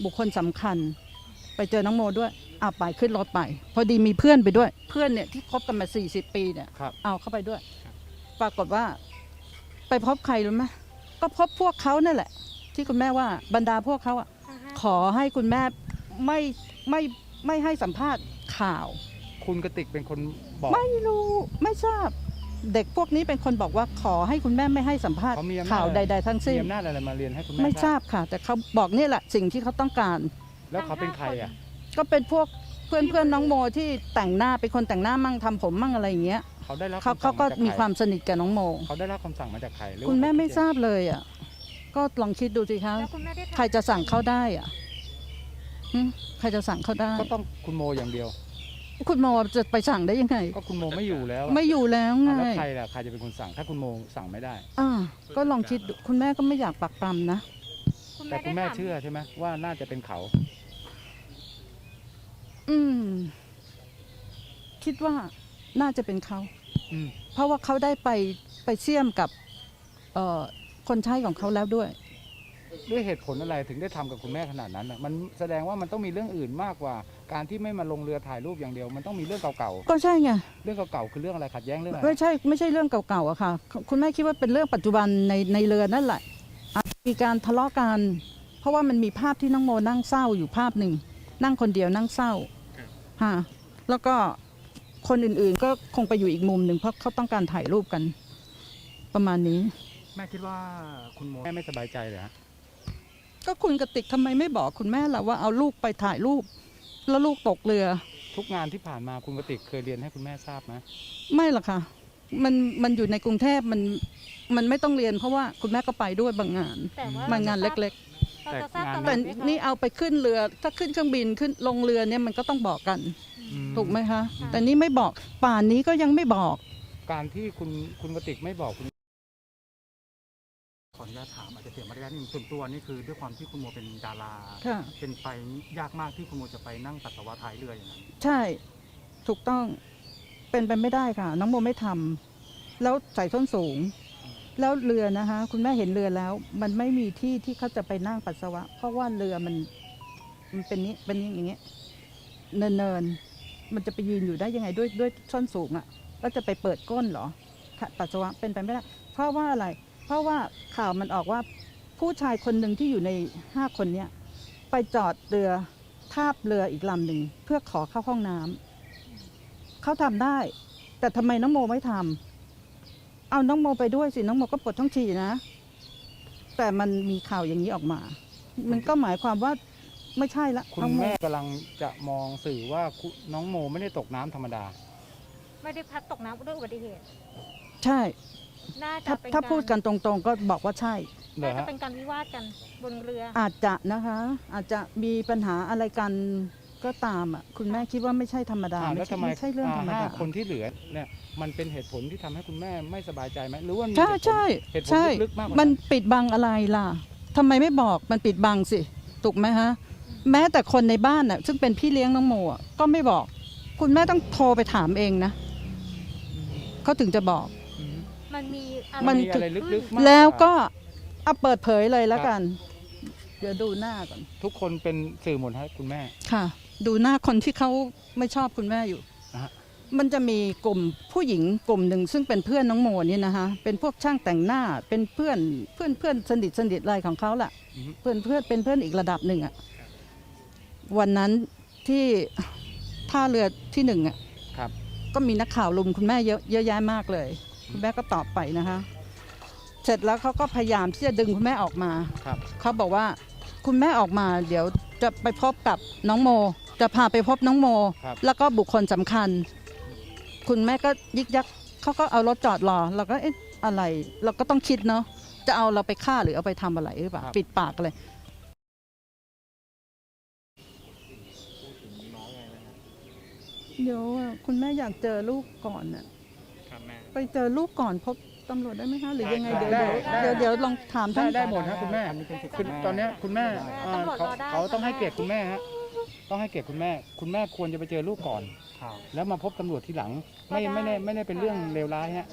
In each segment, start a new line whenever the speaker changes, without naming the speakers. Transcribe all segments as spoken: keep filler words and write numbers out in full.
บุคคลสำคัญไปเจอน้องโมด้วยเอาไปขึ้นรถไปพอดีมีเพื่อนไปด้วยเพื่อนเนี่ยที่คบกันมาสี่สิบปีเนี่ยเอาเข้าไปด้วยปรากฏว่าไปพบใครรู้ไหมก็พบพวกเขานั่นแหละที่คุณแม่ว่าบรรดาพวกเขาอ่ะขอให้คุณแม่ไม่ไม่ไม่ให้สัมภาษณ์ข่าว
คุณกติกเป็นคนบอก
ไม่รู้ไม่ทราบเด็กพวกนี้เป็นคนบอกว่าขอให้คุณแม่ไม่ให้สัมภาษณ์ข่าวใดๆทั้งสิ้น
มีอำนาจอะไรมาเรียนให้คุณแม่
ไม่ทราบค่ะแต่เขาบอกนี่แหละสิ่งที่เขาต้องการ
แล้วเขาเป็นใครอ่ะ
ก็เป็นพวกเพื่อนเพื่อนน้องโมที่แต่งหน้าเป็นคนแต่งหน้ามั่งทำผมมั่งอะไรอย่างเงี้ย
เขาได้รับ
เขาเขาก็มีความสนิทกับน้องโม
เขาได้รับคำสั่งมาจากใคร
คุณแม่ไม่ทราบเลยอ่ะก็ลองคิดดูสิคะใครจะสั่งเขาได้อ่ะใครจะสั่งเขาได้
ก็ต้องคุณโมอย่างเดียว
คุณโมจะไปสั่งได้ยังไง
ก็คุณโมไม่อยู่แล้ว
ไม่อยู่แล้วไง
แล้วใครล่ะใครจะเป็นคนสั่งถ้าคุณโมสั่งไม่ได้
อ่าก็ลองคิดคุณแม่ก็ไม่อยากปักปรำนะ
แต่คุณแม่เชื่อใช่ไหมว่าน่าจะเป็นเขา
อืมคิดว่าน่าจะเป็นเขาเพราะว่าเขาได้ไปไปเสี่ยมกับเอ่อคนใช้ของเขาแล้วด้วย
ด้วยเหตุผลอะไรถึงได้ทำกับคุณแม่ขนาดนั้นอ่ะมันแสดงว่ามันต้องมีเรื่องอื่นมากกว่าการที่ไม่มาลงเรือถ่ายรูปอย่างเดียวมันต้องมีเรื่องเก่า
ๆก็ใช่ไง
เรื่องเก่าๆคือเรื่องอะไรขัดแย้งเรื่องอะไร
ไม่ใช่ไม่ใช่เรื่องเก่าๆอะค่ะคุณแม่คิดว่าเป็นเรื่องปัจจุบันในในเรือนั่นแหละมีการทะเลาะกันเพราะว่ามันมีภาพที่น้องโมนั่งเศร้าอยู่ภาพหนึ่งนั่งคนเดียวนั่งเศร้าฮะแล้วก็คนอื่นๆก็คงไปอยู่อีกมุมหนึ่งเพราะเขาต้องการถ่ายรูปกันประมาณนี้
แม่คิดว่าคุณโมแม่ไม่สบายใจเหรอ
ก็คุณกติกทำไมไม่บอกคุณแม่ล่ะว่าเอาลูกไปถ่ายรูปแล้วลูกตกเรือ
ทุกงานที่ผ่านมาคุณกติกเคยเรียนให้คุณแม่ทราบไหม
ไม่หรอกค่ะมันมันอยู่ในกรุงเทพมันมันไม่ต้องเรียนเพราะว่าคุณแม่ก็ไปด้วยบางงานบางงานเล็กๆแต่แต่นี่เอาไปขึ้นเรือถ้าขึ้นเครื่องบินขึ้นลงเรือเนี่ยมันก็ต้องบอกกันถูกไหมคะแต่นี่ไม่บอกป่านนี้ก็ยังไม่บอก
การที่คุณคุณกติกไม่บอกคุณ
ขออนุญาตถามอาจจะเสียมารยาทนิดนึงส่วนตัวนี่คือด้วยความที่คุณโมเป็นดาราเป็นไปยากมากที่คุณโมจะไปนั่งปัสสาวะท้ายเรืออย่างนั้น
ใช่ถูกต้องเป็นไปไม่ได้ค่ะน้องโมไม่ทำแล้วใส่ส้นสูงแล้วเรือนะคะคุณแม่เห็นเรือแล้วมันไม่มีที่ที่เขาจะไปนั่งปัสสาวะเพราะว่าเรือมันมันเป็นนี้เป็นอย่างเงี้ยเนินเนินมันจะไปยืนอยู่ได้ยังไงด้วยด้วยส้นสูงอ่ะแล้วจะไปเปิดก้นเหรอปัสสาวะเป็นไปไม่ได้เพราะว่าอะไรเพราะว่าข่าวมันออกว่าผู้ชายคนหนึ่งที่อยู่ในห้าคนเนี้ยไปจอดเรือทาบเรืออีกลำหนึ่งเพื่อขอเข้าห้องน้ำเขาทำได้แต่ทำไมน้องโมไม่ทำเอาน้องโมไปด้วยสิน้องโมก็ปวดท้องฉี่นะแต่มันมีข่าวอย่างนี้ออกมามันก็หมายความว่าไม่ใช่ละ
คุณแม่กำลังจะมองสื่อว่าน้องโมไม่ได้ตกน้ำธรรมดา
ไม่ได้พัดตกน้ำด้วยอุบัติเหตุ
ใช่
ถ้า
ถ้าพูดกันตรงๆก็บอกว่าใช่
น่าจะเป็นการวิวาทกันบนเรือ
อาจจะนะคะอาจจะมีปัญหาอะไรกันก็ตามอ่ะคุณแม่คิดว่าไม่ใช่ธรรมดา
ไม่ใช่เรื่องธรรมดาคนที่เหลือเนี่ยมันเป็นเหตุผลที่ทำให้คุณแม่ไม่สบายใจไหมหรือว่า
ใช่ใช่ใช่มันปิดบังอะไรล่ะทำไมไม่บอกมันปิดบังสิถูกไหมฮะแม้แต่คนในบ้านน่ะซึ่งเป็นพี่เลี้ยงน้องโมก็ไม่บอกคุณแม่ต้องโทรไปถามเองนะเขาถึงจะบอก
มันมี
มันอะไรลึกๆแล้วก็เอาเปิดเผยเลยแล้วกันเดี๋ยวดูหน้าก่อน
ทุกคนเป็นสื่อหมดให้คุณแม่
ค่ะดูหน้าคนที่เขาไม่ชอบคุณแม่อยู่มันจะมีกลุ่มผู้หญิงกลุ่มหนึ่งซึ่งเป็นเพื่อนน้องโมนี่นะคะเป็นพวกช่างแต่งหน้าเป็นเพื่อนเพื่อนเพื่อนสนิทสนิทอะไรของเขาแหละเพื่อนเพื่อนเป็นเพื่อนอีกระดับหนึ่งอ่ะวันนั้นที่ท่าเรือที่หนึ่งอ่ะก็มีนักข่าวลุมคุณแม่เยอะเยอะแยะมากเลยคุณแม่ก็ตอบไปนะคะเสร็จแล้วเขาก็พยายามที่จะดึงคุณแม่ออกมาเขาบอกว่าคุณแม่ออกมาเดี๋ยวจะไปพบกับน้องโมจะพาไปพบน้องโมแล้วก็บุคคลสำคัญคุณแม่ก็ยิกยักเขาก็เอารถจอดรอเราก็เอ๊ะอะไรเราก็ต้องคิดเนาะจะเอาเราไปฆ่าหรือเอาไปทำอะไรหรือเปล่าปิดปากเลยเดี๋ยวคุณแม่อยากเจอลูกก่อนน่ะไปเจอลูกก่อนพบตำรวจได้ไหมคะหรือยังไงเดี๋ยวเดี๋ยวเดี๋ยวลองถามท่าน
ได้หมดครับคุณแม่คือตอนนี้คุณแม่เขาเขาต้องให้เกียรติคุณแม่ฮะต้องให้เกียรติคุณแม่คุณแม่ควรจะไปเจอลูกก่อนแล้วมาพบตำรวจทีหลังไม่ไม่ได้ไม่ได้เป็นเรื่องเลวร้ายฮะ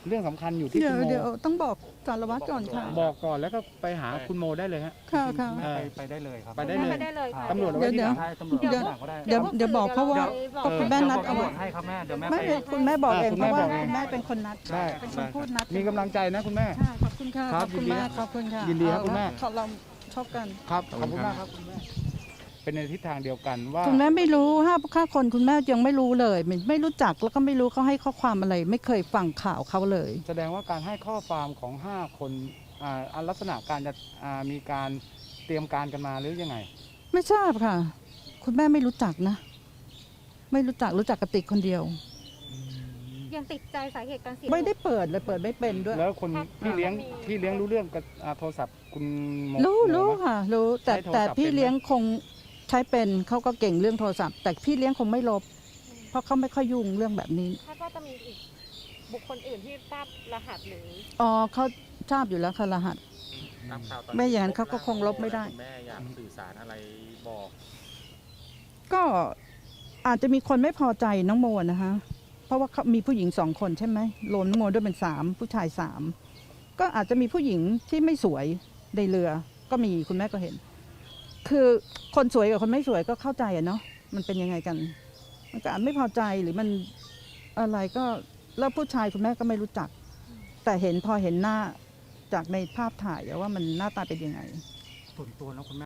เรื่องสำคัญอยู่ที่
เดี๋ย
คุ
ว
ณโม
เดี๋ยวต้องบอกสารวัตรก่อนค่ะ
บอกก่อนแล้วก็ไปหาคุณโมได้เลยฮะ
ค่ะค่ะ
ณแม่ไปไปได้เลยครับ
ไปได้
แม่
เลย
ไปได้เลยค่ะ
ตำรวจเอา
เดี๋
ไว้
ยว
ที่ห
เดี๋ยว
ลัง
ใช่ตำรวจ
เดี๋ยว
หลังก็ได้
เดี๋ยวเดี๋ยวบอกเพราะว่า
บอก
ก็คุณแม่นัด
ตำรวจให้ครับแม่เดี๋ยวแม่
ไม่
ไป
เป็นคุณแม่บอกเอง
อ่าคุณ
เพ
แม่
ราะว่า
บอกเอง
แม่เป็นคนนัด
ได้
เป็นคนพูดนัด
มีกำลังใจนะคุณแม่
ใช่ขอบคุณค่ะ
ครั
ข
บ
อบคุณ
ยินดี
มากขอบคุณค่ะ
ยินดีครับ
เอา
คุณแม่
ละเขาเราชอบกัน
ครับขอบคุณมากครับคุณแม่เป็นในทิศทางเดียวกันว่า
คุณแม่ไม่รู้ห้าค่าคนคุณแม่ยังไม่รู้เลยไม่ไม่รู้จักแล้วก็ไม่รู้เขาให้ข้อความอะไร ไม่เคยฟังข่าวเขาเลย
แสดงว่าการให้ข้อความของห้าคนอ่าอันลักษณะการจะอ่ามีการเตรียมการกันมาหรือยังไง
ไม่ทราบค่ะ คุณแม่ไม่รู้จักนะ ไม่รู้จักรู้จักกระติกคนเดียว
ยังติดใจสาเหตุการเสีย
ไม่ได้เปิดเลยเปิดไม่เป็นด้วย
แล้วคนพี่เลี้ยงพี่เลี้ยงรู้เรื่องกับอ่าโทรศัพท์คุณโม
รู้
โม
รู้
ไหม
ค่ะ รู้แต่
ใช้โทรศัพท์
แต่พี่
เป็นไหม
เลี้ยงคงใช้เป็นเขาก็เก่งเรื่องโทรศัพท์ แต่พี่เลี้ยงคงไม่ลบ เพราะเขาไม่ค่อยยุ่งเรื่องแบบนี้
คาดว่าจะมีอีกบุคคลอื่นที่ทราบรหัสหรือ
อ๋อเขาทราบอยู่แล้วค่ะรหัส
ตามข่าวตอน
ไม่อย่างนั้นเขาก็คงลบไม่ได้
คุณแม่อยากสื่อสารอะไรบอก
ก็อาจจะมีคนไม่พอใจน้องโมนะคะ เพราะว่าเขามีผู้หญิงสองคนใช่ไหมรวมน้องโมด้วยเป็นสามผู้ชายสามก็อาจจะมีผู้หญิงที่ไม่สวยในเรือ ก็มีคุณแม่ก็เห็น คือคนสวยกับคนไม่สวยก็เข้าใจอะเนาะมันเป็นยังไงกัน มันก็อาจไม่พอใจหรือมันอะไรก็แล้วผู้ชายคุณแม่ก็ไม่รู้จัก แต่เห็นพอเห็นหน้าจากในภาพถ่ายอะว่ามันหน้าตาเป็นยังไง
ส่วนตัวแล้วคุณแม่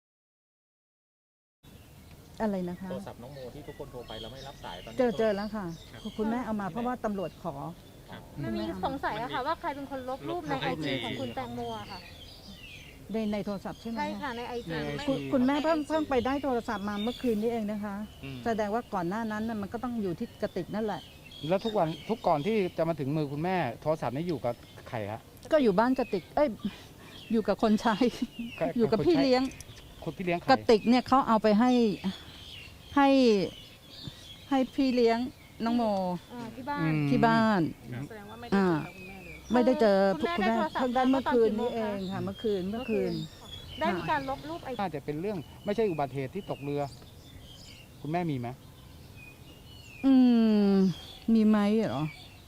อะไรนะคะ
โทรศัพท์น้องโมที่ทุกคนโทรไปแล้วไม่รับสายตอนนี้
เจอเจอแล้วค่ะ คุณแม่เอามาเพราะว่าตำรวจขอ
ครับ
มันมีสงสัยอะค่ะ ว่าใครเป็นคนลบรูปในไอจีของคุณแตงโมอะค่ะ
ในในโทรศัพท์ใช่ไหม
ใช่
คะ
ค่ะในไอจี
ใน
คุณคุณแม่เพิ่งเพิ่งไปได้โทรศัพท์มาเมื่อคืนนี้เองนะคะ
อืม
แสดงว่าก่อนหน้านั้นน่ะมันก็ต้องอยู่ที่กระติกนั่นแหละ
แล้วทุกวันทุกก่อนที่จะมาถึงมือคุณแม่โทรศัพท์นี้อยู่กับใครฮะ
ก็อยู่บ้านกระติก เอ้ยอยู่กับคนใช้
ใคร
อยู่กับ
คน
พี่
ใช้
เลี้ยง
คนพี่เลี้ยงใคร
กระติกเนี่ยเขาเอาไปให้ให้ให้พี่เลี้ยงน้องโม
อ่าที่บ้า
อื
น
ม
ที่บ้าน
แสดงว่าไม่ได้เจอกับคุณแม่เลย
ไม่ได้เจอ
คุณแม่
คุณแม่
ได้โทรศัพท์
เพิ่งได้เมื่อคืนนี้
ต
เอ
อนกี่โมงคะ
งค่ะ เมื่อคืนเมื่อคืน
ได้มีการลบรูปไอจี
น่าจะเป็นเรื่องไม่ใช่อุบัติเหตุที่ตกเรือ คุณแม่มีไหม
อืม มีไหมเหรอ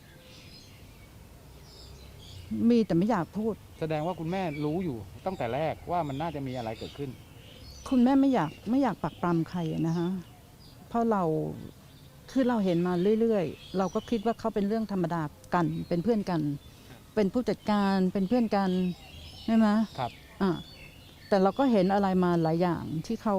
มีแต่ไม่อยากพูด
แสดงว่าคุณแม่รู้อยู่ตั้งแต่แรกว่ามันน่าจะมีอะไรเกิดขึ้น
คุณแม่ไม่อยากไม่อยากปักปรำใครอะนะฮะ เพราะเราคือเราเห็นมาเรื่อยๆ เราก็คิดว่าเขาเป็นเรื่องธรรมดากัน เป็นเพื่อนกัน เป็นผู้จัดการเป็นเพื่อนกันใช่ไหม
ครับ
อ่าแต่เราก็เห็นอะไรมาหลายอย่างที่เขา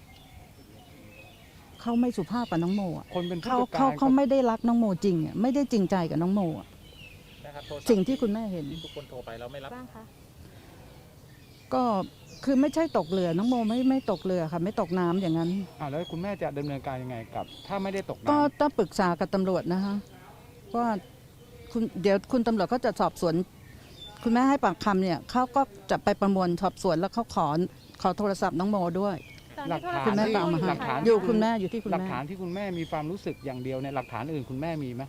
เขาไม่สุภาพกับน้องโมอะ
คนเป็นผู้
เขา
จัดกา
เขา
ร
เขาไม่ได้รักน้องโมจริงอะไม่ได้จริงใจกับน้องโมอะ
นะครับโทรศัพท์
สิ่งที่คุณแม่เห็น
ที่ทุกคนโทรไปแล้วไม่รับ
บ้างคะ
ก็คือไม่ใช่ตกเรือน้องโมไม่ไม่ตกเรือค่ะ ไม่ตกน้ำอย่างนั้น
อ่าแล้วคุณแม่จะดำเนินการยังไงกับ ถ้าไม่ได้ตก
ก็
น้ำ
ต้องปรึกษากับตำรวจนะคะว่าคุณเดี๋ยวคุณตำรวจก็จะสอบสวน คุณแม่ให้ปากคำเนี่ยเขาก็จะไปประมวลสอบสวนแล้วเขาขอขอโทรศัพท์น้องโมด้วย
ตอน
หลั
ที่
ก
โทร
ฐาน
คุณแม่
ศัพท์
ก็เอามาให้
หลักฐาน
อยู่คุณแม่อยู่ที่คุณ
หลัก
แม่
ฐานที่คุณแม่มีความรู้สึกอย่างเดียวเนี่ยหลักฐานอื่นคุณแม่มีไหม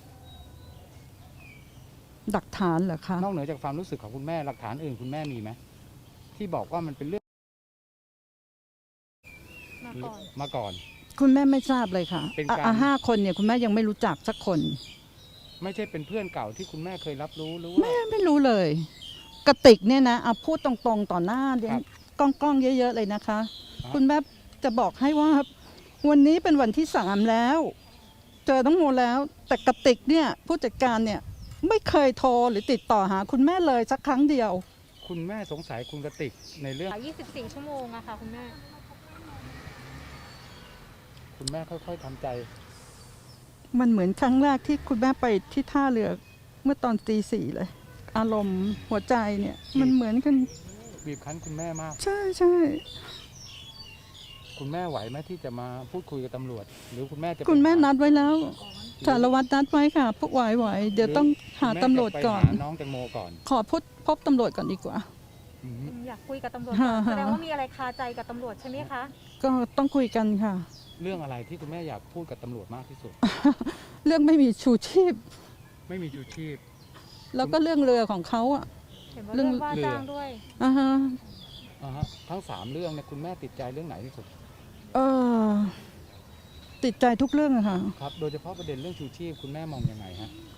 หลักฐานเหรอคะ
นอกเหนือจากความรู้สึกของคุณแม่หลักฐานอื่นคุณแม่มีไหมที่บอกว่ามันเป็นเรื่อง
มาก่อน
มาก่อน
คุณแม่ไม่ทราบเลยค่ะ
เป็น
อ่ะ
การ
อ่ะห้าคนเนี่ยคุณแม่ยังไม่รู้จักสักคน
ไม่ใช่เป็นเพื่อนเก่าที่คุณแม่เคยรับรู้หรือว่า
แม่ไม่รู้เลย กระติกเนี่ยนะเอาพูดตรงๆต่อหน้าเดี๋ยว
ครับ
กล้องๆเยอะๆเลยนะคะ
ครับ
คุณแม่จะบอกให้ว่า วันนี้เป็นวันที่สามแล้ว เจอน้องโมแล้ว แต่กระติกเนี่ยผู้จัดการเนี่ยไม่เคยโทรหรือติดต่อหา คุณแม่เลยสักครั้งเดียว
คุณแม่สงสัยคุณกติกในเรื่อง
ยี่สิบสี่ชั่วโมงอะค่ะคุณแม่
คุณแม่ค่อยๆทำใจ
มันเหมือนครั้งแรกที่คุณแม่ไปที่ท่าเรือเมื่อตอนตีสี่เลย อารมณ์หัวใจเนี่ย มันเหมือนกัน
บีบคั้นคุณแม่มาก
ใช่ใช่
คุณแม่ไหวไหมที่จะมาพูดคุยกับตำรวจ หรือคุณแม่จะไป
คุณแม่
หา
นัดไว้แล้วสารวัตรนัดไว้ค่ะพวกไหวไหวๆเดี๋ยวต้องหา
คุณแม่
ตำรวจ
จะไป
ก่อน
หาน้องแตงโมก่อน
ขอพบพบตำรวจก่อนดีกว่า
อืม
อยากคุยกับตำรวจ
ฮะ
ก่อน
ฮะ
แสดงว่ามีอะไรคาใจกับตำรวจใช่ไหมคะ
ก็ต้องคุยกันค่ะ
เรื่องอะไรที่คุณแม่อยากพูดกับตำรวจมากที่สุด
เรื่องไม่มีชูชีพ
ไม่มีชูชีพ
แล้วก็เรื่องเรือของเขาอ่ะ
เห็นว่า
เรื่
เรื่
อ
อง งว่าจ้างด้วย
อ่าฮะ
อ่าฮะทั้งสามเรื่องเนี่ยคุณแม่ติดใจเรื่องไหนที่สุด
เออติดใจทุกเรื่องอะค่ะ
ครับ โดยเฉพาะประเด็นเรื่องชูชีพคุณแม่มองยังไงฮะ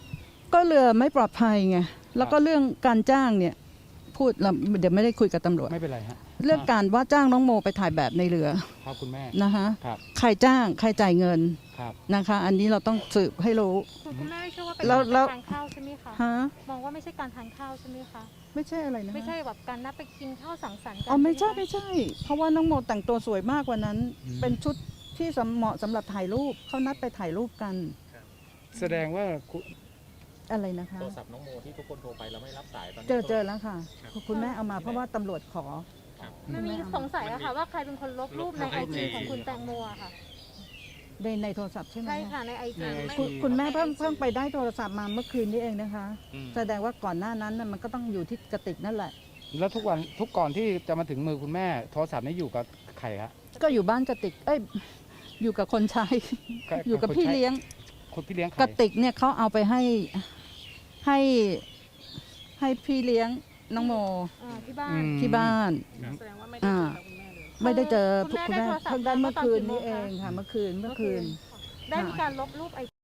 ก็เรือไม่ปลอดภัยไงแล้วก็เรื่องการจ้างเนี่ยพูดเราเดี๋ยวไม่ได้คุยกับตำรวจ
ไม่เป็นไรฮะ
เรื่องการว่าจ้างน้องโมไปถ่ายแบบในเรือ
ครับคุณแม่
นะคะ
ครับ
ใครจ้างใครจ่ายเงิน
ครับ
นะคะ อันนี้เราต้องสืบให้รู้
คุณคุณแม่ไม่เชื่อว่าเป็น
แล้วแล้ว
การทานข้าวใช่ไหมคะ
ฮะ
มองว่าไม่ใช่การทานข้าวใช่ไหมคะ
ไม่ใช่อะไรนะ
ไม่ใช่แบบการนัดไปกินข้าวสังสรรค์กั
อ๋อไม่ใช่
หคะ
ไม่ใช่ เพราะว่าน้องโมแต่งตัวสวยมากกว่านั้น
อืม
เป็นชุดที่สำเหมาะสำหรับถ่ายรูปเขานัดไปถ่ายรูปกัน
แสดงว่าคุณ
อะไรนะคะ
โทรศัพท์น้องโมที่ทุกคนโทรไปแล้วไม่รับสายตอนนี้
เจอเจอแล้วค่ะ คุณแม่เอามาเพราะว่าตำรวจขอ
มันมีสงสัยอะค่ะว่าใครเป็นคนลบรูปในไอจีของคุณแตงโมอะค่ะ
ในในโทรศัพท์ใช่ไหม
ใช่ค่ะในไอจี
คุณคุณแม่เพิ่งเพิ่งไปได้โทรศัพท์มาเมื่อคืนนี้เองนะคะ แสดงว่าก่อนหน้านั้นน่ะมันก็ต้องอยู่ที่กระติกนั่นแหละ
แล้วทุกวันทุกก่อนที่จะมาถึงมือคุณแม่โทรศัพท์นี้อยู่กับใครฮะ
ก็อยู่บ้านกระติก เอ้ย อยู่กับคนใช้
ใคร
อยู่กับ
คน
พี่
ใช้
เลี้ยง
คนพี่เลี้ยงใคร
กระติกเนี่ยเขาเอาไปให้ให้ให้พี่เลี้ยงน้องโม
อ่าที่บ้า
อื
น
ม
ที่บ้าน
แสดงว่าไม่ได้เจอกับคุณแม่เลย
ไม่ได้เจอ
คุณแม่
คุณแม่
ได้โทรศัพท์
เพิ่งได้เมื่อคืนนี้
มาต
เอ
อนกี่โมงคะ
งค่ะ เมื่อคืนเมื่อคืน
ได้มีการลบรูปไอจี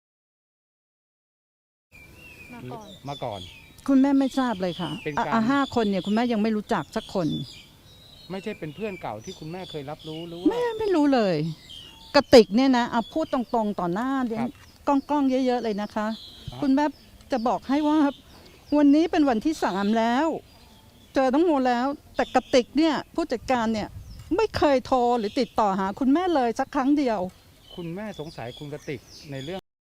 มาก่อน
มาก่อน
คุณแม่ไม่ทราบเลยค่ะ
เป็น
อ่ะ
การ
อ่ะห้าคนเนี่ยคุณแม่ยังไม่รู้จักสักคน
ไม่ใช่เป็นเพื่อนเก่าที่คุณแม่เคยรับรู้หรือว่า
แม่ไม่รู้เลย กระติกเนี่ยนะเอาพูดตรงๆต่อหน้าเดี๋ยว
ครับ
กล้องๆเยอะๆเลยนะคะ
ครับ
คุณแม่จะบอกให้ว่า วันนี้เป็นวันที่สามแล้ว เจอน้องโมแล้ว แต่กระติกเนี่ยผู้จัดการเนี่ยไม่เคยโทรหรือติดต่อหาคุณแม่เลยสักครั้งเดียว
คุณแม่สงสัยคุณกติกในเรื่อง